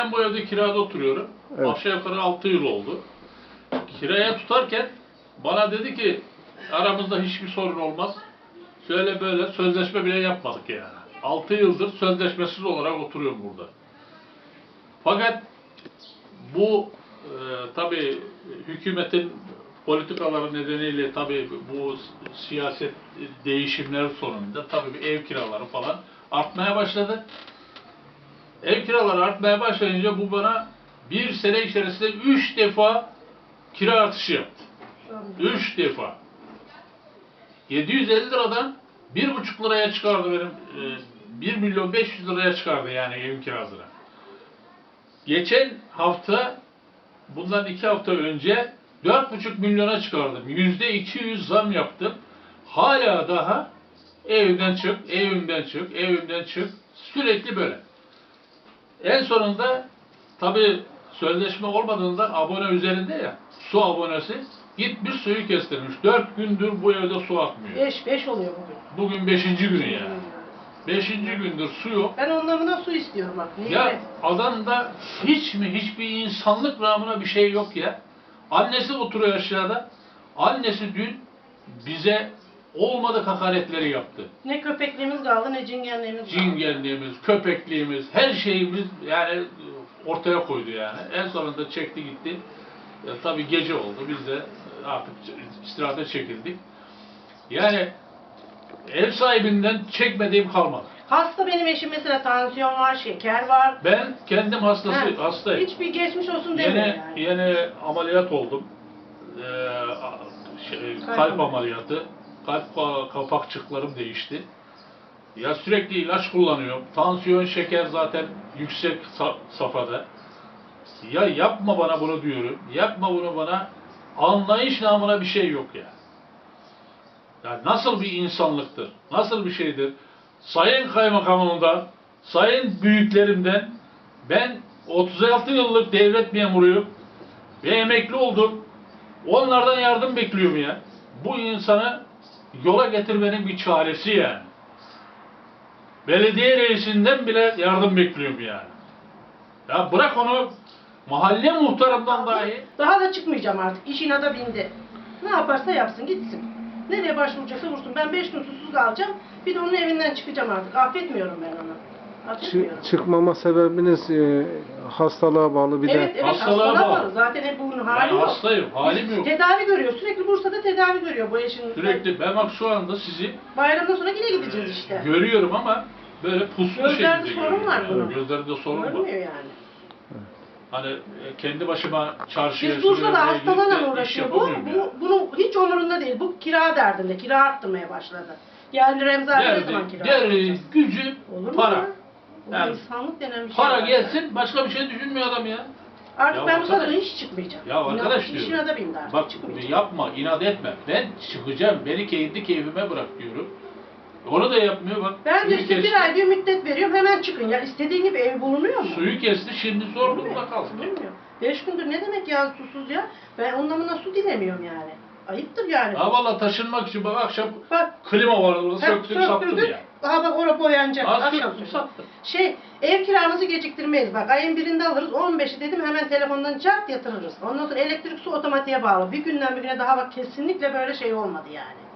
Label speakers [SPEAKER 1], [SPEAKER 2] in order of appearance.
[SPEAKER 1] Ben bu evde kirada oturuyorum.
[SPEAKER 2] Evet.
[SPEAKER 1] Aşağı yukarı 6 yıl oldu. Kiraya tutarken bana dedi ki aramızda hiçbir sorun olmaz. Şöyle böyle sözleşme bile yapmadık yani. 6 yıldır sözleşmesiz olarak oturuyorum burada. Fakat bu tabii hükümetin politikaları nedeniyle tabii bu siyaset değişimleri sonunda tabii ev kiraları falan artmaya başladı. Ev kiraları artmaya başlayınca bu bana bir sene içerisinde 3 defa kira artışı yaptı. 3 defa. 750 liradan 1,5 liraya çıkardı benim. 1 milyon 500 liraya çıkardı yani evin kirasına. Geçen hafta, bundan 2 hafta önce 4,5 milyona çıkardım. %200 zam yaptım. Hala daha evimden çık, evimden çık, evimden çık. Sürekli böyle. En sonunda tabii sözleşme olmadığında abone üzerinde ya, su abonesi gitmiş suyu kestirmiş. 4 gündür bu evde su akmıyor.
[SPEAKER 3] 5 oluyor bugün.
[SPEAKER 1] Bugün 5. günü yani. 5. gündür su yok.
[SPEAKER 3] Ben onlarına su istiyorum bak. Niye?
[SPEAKER 1] Ya adamda hiçbir insanlık namına bir şey yok ya. Annesi oturuyor aşağıda. Annesi dün bize olmadık hakaretleri yaptı.
[SPEAKER 3] Ne köpekliğimiz kaldı ne cingenliğimiz kaldı.
[SPEAKER 1] Cingenliğimiz, köpekliğimiz, her şeyimiz yani ortaya koydu yani. En sonunda çekti gitti. Tabii gece oldu. Biz de artık istirahate çekildik. Yani ev sahibinden çekmediğim kalmadı.
[SPEAKER 3] Hasta benim eşim mesela, tansiyon var, şeker var.
[SPEAKER 1] Ben kendim hastayım.
[SPEAKER 3] Hiçbir geçmiş olsun demiyor yani.
[SPEAKER 1] Yeni ameliyat oldum. Kalp ameliyatı. Kalp kapakçıklarım değişti. Ya sürekli ilaç kullanıyorum. Tansiyon, şeker zaten yüksek safhada. Ya yapma bana bunu diyorum. Yapma bunu bana. Anlayış namına bir şey yok ya. Ya nasıl bir insanlıktır? Nasıl bir şeydir? Sayın Kaymakamımdan, sayın büyüklerimden ben 36 yıllık devlet memuruyum ve emekli oldum. Onlardan yardım bekliyorum ya. Bu insanı yola getirmenin bir çaresi yani. Belediye reisinden bile yardım bekliyorum yani. Ya bırak onu, mahalle muhtarımdan dahi.
[SPEAKER 3] Daha da çıkmayacağım artık. İş inada bindi. Ne yaparsa yapsın gitsin. Nereye başvuracaksa vursun. Ben 5 gün susuz kalacağım. Bir de onun evinden çıkacağım artık. Affetmiyorum ben onu. Affetmiyorum.
[SPEAKER 2] Çıkmama sebebiniz hastalığa bağlı bir
[SPEAKER 3] Evet,
[SPEAKER 2] de.
[SPEAKER 1] Hastalığa bağlı.
[SPEAKER 3] Zaten hep bunun
[SPEAKER 1] Ben
[SPEAKER 3] hali yok.
[SPEAKER 1] hastayım, halim yok.
[SPEAKER 3] Tedavi görüyor. Sürekli Bursa'da tedavi görüyor bu eşin.
[SPEAKER 1] Sürekli ben bak şu anda sizi
[SPEAKER 3] Bayramdan sonra yine gideceğiz işte.
[SPEAKER 1] görüyorum ama böyle puslu
[SPEAKER 3] Gözlerde
[SPEAKER 1] şekilde
[SPEAKER 3] sorun var
[SPEAKER 1] görüyorum.
[SPEAKER 3] bunun.
[SPEAKER 1] Gözlerinde sorun var.
[SPEAKER 3] Görmüyor yani.
[SPEAKER 1] Hani kendi başıma çarşıya
[SPEAKER 3] Biz Bursa'da
[SPEAKER 1] sürüye gidip de
[SPEAKER 3] hastalarla
[SPEAKER 1] iş
[SPEAKER 3] uğraşıyor.
[SPEAKER 1] yapamıyorum ya.
[SPEAKER 3] Bunun hiç umurunda değil. Bu kira derdinde. Kira arttırmaya başladı. Yerli Remzi abi ne zaman kira
[SPEAKER 1] Derdi,
[SPEAKER 3] arttıracak?
[SPEAKER 1] gücü,
[SPEAKER 3] Olur mu
[SPEAKER 1] para.
[SPEAKER 3] ya? Bu
[SPEAKER 1] Yani
[SPEAKER 3] insanlık denen bir şey
[SPEAKER 1] para
[SPEAKER 3] var.
[SPEAKER 1] gelsin, başka bir şey düşünmüyor adam ya.
[SPEAKER 3] Artık
[SPEAKER 1] Ya
[SPEAKER 3] ben bu
[SPEAKER 1] arkadaş-
[SPEAKER 3] kadına hiç çıkmayacağım.
[SPEAKER 1] Ya arkadaş
[SPEAKER 3] İş
[SPEAKER 1] diyorum.
[SPEAKER 3] inada bindi artık.
[SPEAKER 1] Bak
[SPEAKER 3] çıkmayacağım.
[SPEAKER 1] yapma, inat etme. Ben çıkacağım, beni kendi keyfime bırak diyorum. Onu da yapmıyor bak.
[SPEAKER 3] Ben de
[SPEAKER 1] suyu
[SPEAKER 3] işte
[SPEAKER 1] kesti.
[SPEAKER 3] bir ay bir müddet veriyorum, hemen çıkın. Ya istediğin gibi ev bulunuyor mu?
[SPEAKER 1] Suyu kesti, şimdi zor durumda kaldık.
[SPEAKER 3] Bulunmuyor. 5 gündür ne demek ya susuz ya? Ben onunla su dilemiyorum yani. Ayıptır yani.
[SPEAKER 1] Ha valla taşınmak için bak akşam
[SPEAKER 3] Bak.
[SPEAKER 1] klima var orada söktüm sattım
[SPEAKER 3] Söktürdük.
[SPEAKER 1] ya.
[SPEAKER 3] Aha bak orada boyanacak.
[SPEAKER 1] Az
[SPEAKER 3] Akşam
[SPEAKER 1] söktüm
[SPEAKER 3] söktüm.
[SPEAKER 1] sattım.
[SPEAKER 3] Ev kiramızı geciktirmeyiz. Bak ayın birinde alırız. 15'i dedim hemen telefondan çarp yatırırız. Ondan sonra elektrik su otomatiğe bağlı. Bir günden bir güne daha bak kesinlikle böyle şey olmadı yani.